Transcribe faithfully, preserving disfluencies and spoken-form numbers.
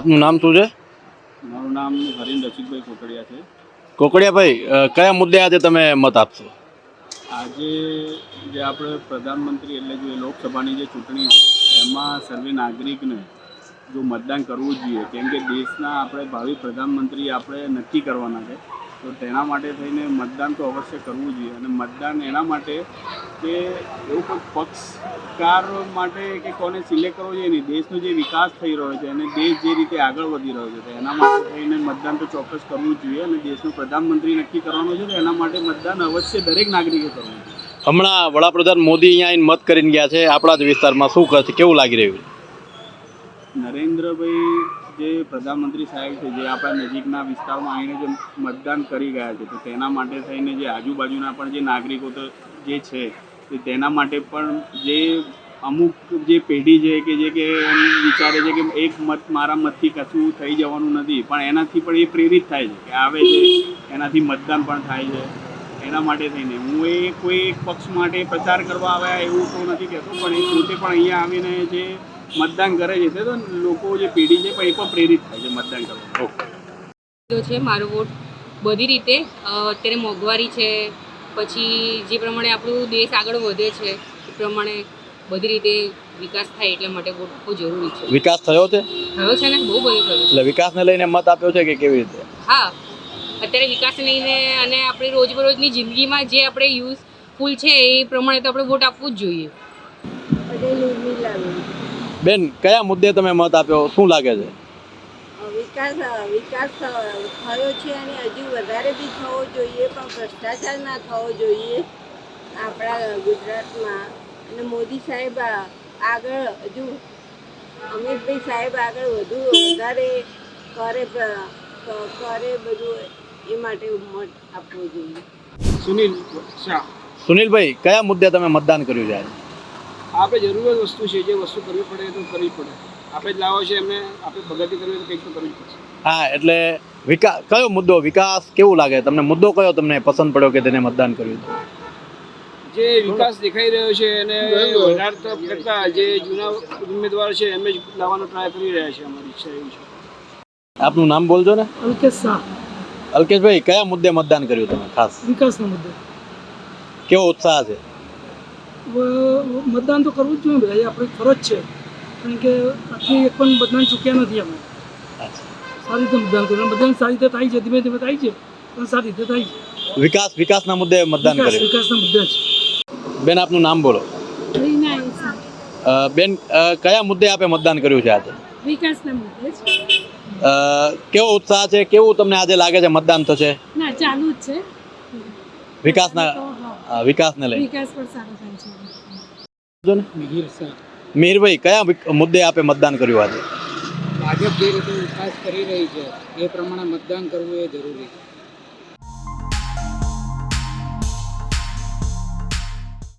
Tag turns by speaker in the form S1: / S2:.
S1: આપનું નામ શું છે?
S2: મારું નામ હરીન રસિકભાઈ કોકડિયા છે.
S1: કોકડિયાભાઈ, કયા મુદ્દે આજે તમે મત આપશો?
S2: આજે જે આપણે પ્રધાનમંત્રી એટલે જે લોકસભાની જે ચૂંટણી છે એમાં સર્વે નાગરિકને જો મતદાન કરવું જ જોઈએ, કેમ કે દેશના આપણે ભાવિ પ્રધાનમંત્રી આપણે નક્કી કરવાના છે. તો તેના માટે થઈને મતદાન તો અવશ્ય કરવું જોઈએ. અને મતદાન એના માટે કે એવું કોઈ પક્ષકાર માટે કે કોને સિલેક્ટ કરવો જોઈએ નહીં, દેશનો જે વિકાસ થઈ રહ્યો છે અને દેશ જે રીતે આગળ વધી રહ્યો છે તો એના માટે થઈને મતદાન તો ચોક્કસ કરવું જ જોઈએ. અને દેશનો પ્રધાનમંત્રી નક્કી કરવાનો છે તો એના માટે મતદાન અવશ્ય દરેક નાગરિકે કરવું જોઈએ.
S1: હમણાં વડાપ્રધાન મોદી અહીંયા આવીને મત કરીને ગયા છે આપણા જ વિસ્તારમાં, શું કરશે, કેવું લાગી રહ્યું છે?
S2: નરેન્દ્રભાઈ જે પ્રધાનમંત્રી સાહેબ છે જે આપણા નજીકના વિસ્તારમાં આવીને જે મતદાન કરી ગયા છે તો તેના માટે થઈને જે આજુબાજુના પણ જે નાગરિકો તો જે છે તો તેના માટે પણ જે અમુક જે પેઢી છે કે જે કે એમ વિચારે છે કે એક મત મારા મતથી કશું થઈ જવાનું નથી, પણ એનાથી પણ એ પ્રેરિત થાય છે કે આવે છે એનાથી મતદાન પણ થાય છે. એના માટે થઈને હું એ કોઈ એક પક્ષ માટે પ્રચાર કરવા આવ્યા એવું તો નથી કહેતો, પણ એ પોતે પણ અહીંયા આવીને જે મતદાન કરે છે તો લોકો જે પેઢી છે પણ એ પણ પ્રેરિત થાય છે મતદાન કરવા.
S3: છે મારો વોટ બધી રીતે. અત્યારે મોંઘવારી છે, પછી જે પ્રમાણે આપણું દેશ આગળ વધે છે એ પ્રમાણે બધી રીતે વિકાસ થાય એટલા માટે વોટ બહુ જરૂરી છે.
S1: વિકાસ થયો છે?
S3: થયો છે ને, બહુ બધો થયો છે.
S1: એટલે વિકાસને લઈને મત આપ્યો છે કે કેવી રીતે?
S3: હા, અત્યારે વિકાસને લઈને અને આપણી રોજબરોજની જિંદગીમાં જે આપણે યુઝફુલ છે એ પ્રમાણે તો આપણે વોટ આપવું જ જોઈએ.
S1: બેન, કયા મુદ્દે તમે મત આપ્યો, શું લાગે છે?
S4: વિકાસ વિકાસ થયો છે અને હજુ વધારે બી થવો જોઈએ, પણ ભ્રષ્ટાચાર ના થવો જોઈએ આપણા ગુજરાતમાં. અને મોદી સાહેબ આગળ હજુ અમિતભાઈ સાહેબ આગળ વધુ વધારે કરે કરે બધું એ માટે મત આપવો જોઈએ.
S2: સુનિલ શાહ.
S1: સુનિલભાઈ, કયા મુદ્દે તમે મતદાન કર્યું છે આજે?
S2: આપણે જરૂરત વસ્તુ છે, જે વસ્તુ કરવી પડે તો કરવી પડે. આપણે જ લાવો છે એમને આપણે પ્રગતિ કરવી તો કંઈક તો કરવી પડશે. હા,
S1: એટલે વિકાસ કયો મુદ્દો, વિકાસ કેવું લાગે તમને? મુદ્દો કયો તમને પસંદ પડ્યો કે તેને મતદાન કર્યું?
S2: જે વિકાસ દેખાઈ રહ્યો છે અને વધારે કરતા જે જૂના ઉમેદવાર છે એમને જ લાવવાનો ટ્રાય કરી રહ્યા છે. અમારી ઈચ્છા એવી છે.
S1: આપનું નામ બોલજો ને.
S5: અલ્કેશ શાહ.
S1: અલ્કેશભાઈ, કયા મુદ્દે મતદાન કર્યું તમે ખાસ?
S5: વિકાસના મુદ્દે.
S1: કેવો ઉત્સાહ છે?
S5: મતદાન તો કરવું જ જોઈએ ભાઈ, આપણી ફરજ છે, કારણ કે આટલી એક પણ મતદાન ચૂક્યા નથી અમે. સારી રીતે મતદાન કર્યું, મતદાન સારી રીતે થાય છે, ધીમે ધીમે થાય છે પણ સારી રીતે થાય છે.
S1: વિકાસ વિકાસના મુદ્દે મતદાન કર્યું?
S5: વિકાસના મુદ્દે જ.
S1: બેન, આપનું નામ બોલો. બેન, કયા મુદ્દે આપે મતદાન કર્યું છે આજે?
S6: વિકાસના મુદ્દે જ.
S1: કેવો ઉત્સાહ છે, કેવું તમને આજે લાગે છે મતદાન થશે?
S6: ના, ચાલુ જ છે.
S1: વિકાસના વિકાસને લઈને
S6: વિકાસ પણ સારો થાય છે.
S5: મિહિર શાહ.
S1: મિહિરભાઈ, કયા મુદ્દે આપે મતદાન કર્યું આજે?
S5: ભાજપ જે રીતે વિકાસ કરી રહી છે એ પ્રમાણે મતદાન કરવું એ જરૂરી છે.